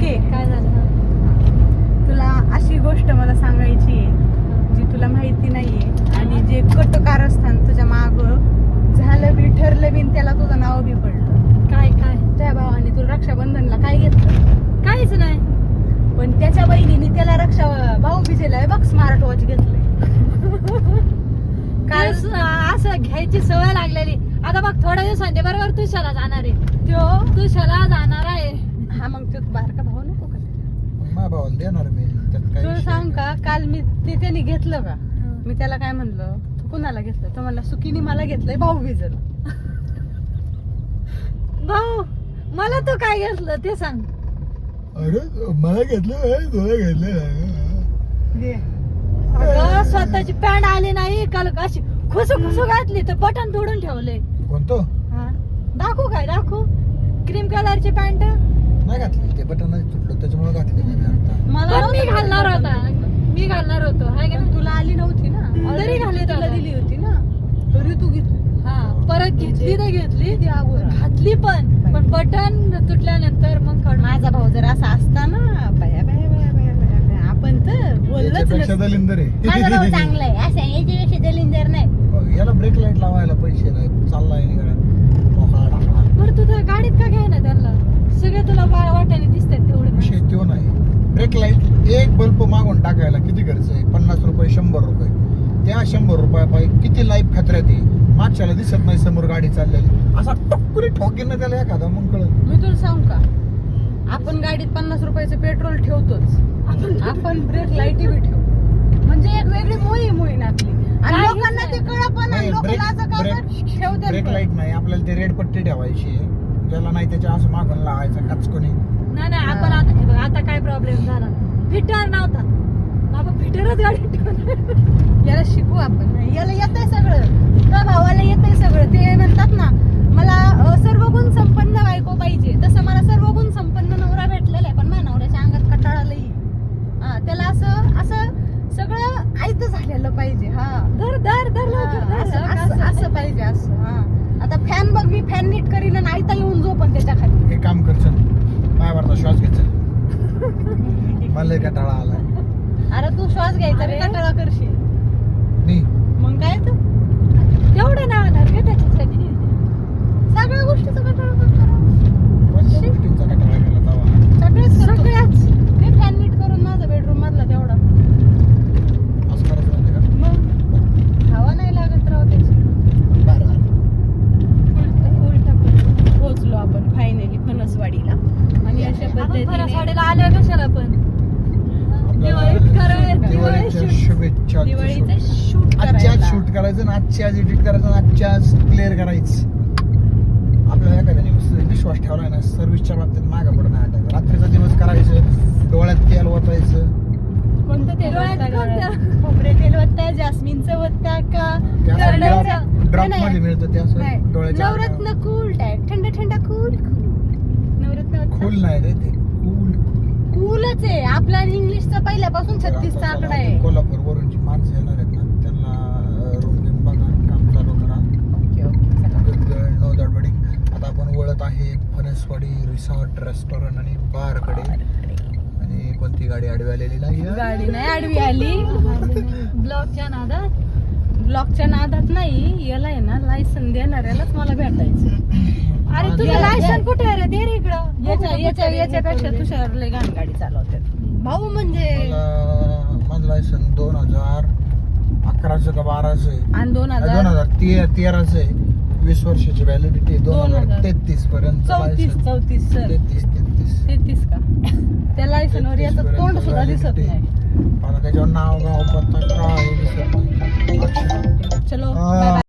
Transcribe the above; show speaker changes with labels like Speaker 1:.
Speaker 1: Okay,
Speaker 2: काय झालं?
Speaker 1: तुला अशी गोष्ट मला सांगायची आहे जी तुला माहिती नाहीये आणि जे कट कारस्थान तुझ्या माग झालं बी ठरलं बी आणि त्याला तुझं नाव बी पडलं.
Speaker 2: काय काय
Speaker 1: त्या भावाने तुला रक्षाबंधनला काय घेतलं?
Speaker 2: काहीच नाही.
Speaker 1: पण त्याच्या बहिणीने त्याला भाऊ बिजेला बघ स्मार्ट वॉच घेतलंय.
Speaker 2: काय असं घ्यायची सवय लागलेली. आता बघ थोड्या दिवसांनी बरोबर तुषाला जाणार आहे. तुषाला जाणार आहे.
Speaker 1: हा मग तो बारका भाऊ नको का?
Speaker 3: माझ्या भावाला देणार मी त्यात काही
Speaker 1: तुला
Speaker 3: विषय
Speaker 1: सांग
Speaker 3: नाही.
Speaker 1: का, काल मी त्याने घेतलं का, मी त्याला काय म्हणलं, तू कुणाला घेतलं? तर मला सुकीनी मला घेतलंय भाऊ बिजल.
Speaker 2: भाऊ मला तू काय घेतलं ते सांग.
Speaker 3: अरे मला घेतलं तुला घेतलं
Speaker 2: अगं स्वतःची पॅन्ट आली नाही काल अशी खुसू खुसू घातली तर बटन तोडून ठेवले.
Speaker 3: कोणतं
Speaker 2: दाखवू काय दाखवू? क्रीम कलरची पॅन्ट
Speaker 3: नाही घातली ते बटन तुटलं त्याच्यामुळे घातली नाही मी आता.
Speaker 1: मला
Speaker 2: पण मी घालणार होता. मी घालणार होतो हाय का नाही?
Speaker 1: तुला आली नव्हती ना,
Speaker 2: तरी घालली
Speaker 1: तुला
Speaker 2: तुला.
Speaker 1: दिली होती ना, तरी तू घेतली.
Speaker 2: हा परत घेतली तर घेतली
Speaker 1: ती अगोदर.
Speaker 2: घातली पण बटन तुटल्यानंतर मग काढून.
Speaker 1: माझा भाऊ जर असा असता ना, बाया बाया बाया बाया बाया बाया, आपण तर बोललंच
Speaker 3: याच्यापेक्षा
Speaker 1: नसतं.
Speaker 3: दलिंदर
Speaker 1: माझा भाऊ
Speaker 3: आहे.
Speaker 1: चांगला आहे, असं आहे, याच्यापेक्षा दलिंदर नाही.
Speaker 3: याला ब्रेक लाईट लावायला पैसे नाही, चाललाय निघाला मोकळा टाकला.
Speaker 2: बरं तुझ्या गाडीत का घ्याय ना त्यांना? सगळे तुला वाट्याने दिसतात तेवढे.
Speaker 3: विषय तो नाही. ब्रेक लाईट एक बल्ब मागून टाकायला किती खर्च आहे? 50 रुपये 100 रुपये. त्या 100 रुपयापायी किती लाईफ खतऱ्यात आहे. मागच्याला दिसत नाही समोर गाडी चाललेली, असा टक्कुरी ठोकेन ना त्याला एखादा मग कळत.
Speaker 1: मी तुला सांगू का, आपण गाडीत 50 रुपयाचं पेट्रोल ठेवतोच, आपण ब्रेक लाईटी बी ठेवू. म्हणजे एक वेगळी मोहीम आपली. आणि
Speaker 2: काय
Speaker 1: लोकांना ते कळत पण नाही, लोकांना असं का ठेवतात
Speaker 3: ब्रेक
Speaker 1: पण.
Speaker 3: लाईट नाही, आपल्याला ते रेड पट्टी ठेवायची. ज्याला नाही त्याच्या असं मागून लावायचं कचकोनी.
Speaker 2: नाही आपण आता हे बघ, आता काय प्रॉब्लेम झाला. फिटर नव्हता बाबा, फिटरच गाडी ठेवून.
Speaker 1: याला शिकू आपण. याला येतंय सगळं, त्या भावाला येतंय सगळं. ते म्हणतात ना, मला सर्व गुण संपन्न बायको पाहिजे, तसं मला सर्व गुण संपन्न नवरा भेटलेला आहे. पण माझ्या नवऱ्याच्या अंगात कटाळा लई. त्याला असं असं सगळं आयतं झालेलं पाहिजे.
Speaker 2: धर लवकर धर.
Speaker 1: असं पाहिजे असं. आता फॅन बघ, मी फॅन नीट करीन आणि आयता येऊन झोपन त्याच्या खाली.
Speaker 3: हे काम कर चल, माझ्यावरचा श्वास घे चल. मला लय कंटाळा आलाय.
Speaker 1: अरे तू श्वास घ्यायचा रे, कटाळा करशील.
Speaker 3: मी
Speaker 1: मग काय तर
Speaker 2: तेवढं नाही होणार का त्याच्यासाठी?
Speaker 1: सगळ्या गोष्टीचा कटाळा करतो.
Speaker 3: कोणत्या गोष्टींचा कंटाळा केला तवा?
Speaker 1: सगळ्याच. मी फॅन नीट करून माझा बेडरूम मधला तेवढा.
Speaker 3: असं करायचं म्हणजे का?
Speaker 1: मग हवा नाही लागत राव त्याची.
Speaker 3: बरं.
Speaker 1: उलटा पोहोचलो आपण फायनली फणसवाडीला. आणि अशा
Speaker 2: आपण
Speaker 1: पद्धतीने
Speaker 2: फणसवाडीला आलोय कशाला पण? दिवाळीत करायचं.
Speaker 3: दिवाळीच्या शुभेच्छा.
Speaker 1: दिवाळीचं शूट
Speaker 3: आजच्या आज शूट करायचं आणि आजच्या आज एडिट करायचं आणि आजच्या आज क्लिअर करायचं. आपल्याला एखाद्याने विश्वास ठेवला ना, सर्व्हिसच्या बाबतीत मागं पडणं नाही. रात्रीचा दिवस करायचं, डोळ्यात तेल ओतायचं.
Speaker 1: कोणतं तेल
Speaker 2: डोळ्यात
Speaker 1: ओतता
Speaker 2: कोणतं?
Speaker 1: डोळ्यात? खोबरे तेल ओतता, जास्मिनचं ओतता का
Speaker 3: ते असं
Speaker 1: करण्याचं?
Speaker 3: ड्रॉप
Speaker 1: नाही.
Speaker 3: मध्ये मिळतं ते असं डोळ्याच्या
Speaker 1: नवरत्न कूल टाईप, थंड थंड कूल. नवरत्न
Speaker 3: खोल नाही रे ते, कूल.
Speaker 1: कूलच आहे. आपला इंग्लिशचा पहिल्यापासून 36चा आकडा आहे.
Speaker 3: कोल्हापूर वरून जी माणसं येणार आहेत ना, त्यांना रूम घेऊन बघा, काम चालू करा.
Speaker 1: ओके ओके चला.
Speaker 3: गुड नो गडबडी. आता आपण वळत आहे फणसवाडी रिसॉर्ट, रेस्टॉरंट आणि बार कडे. आणि कोणती गाडी आडवी आलेली नाही.
Speaker 1: गाडी नाही आडवी आली.
Speaker 2: ब्लॉकच्या नादात.
Speaker 1: ब्लॉकच्या नादात नाही, याला आहे ना लायसन देणाऱ्यालाच मला भेटायचं.
Speaker 2: अरे तुझं लायसन कुठे आहे रे? दे रे इकडं.
Speaker 1: याच्यापेक्षा तुषार लय घाण गाडी चालवतात. भाऊ म्हणजे
Speaker 3: माझं लायसन 2011चं का 12चं आहे.
Speaker 1: आणि
Speaker 3: 2013चं आहे. 20 वर्षाची व्हॅलिडिटी. 2033 पर्यंत
Speaker 1: 34 सर. 33 का? त्या लायसनवर याचं तोंड सुद्धा दिसत नाही.
Speaker 3: मला त्याच्यावर नाव गाव पत्ता काय दिसत नाही. अच्छा.
Speaker 1: चलो
Speaker 3: हा.
Speaker 1: Bye bye.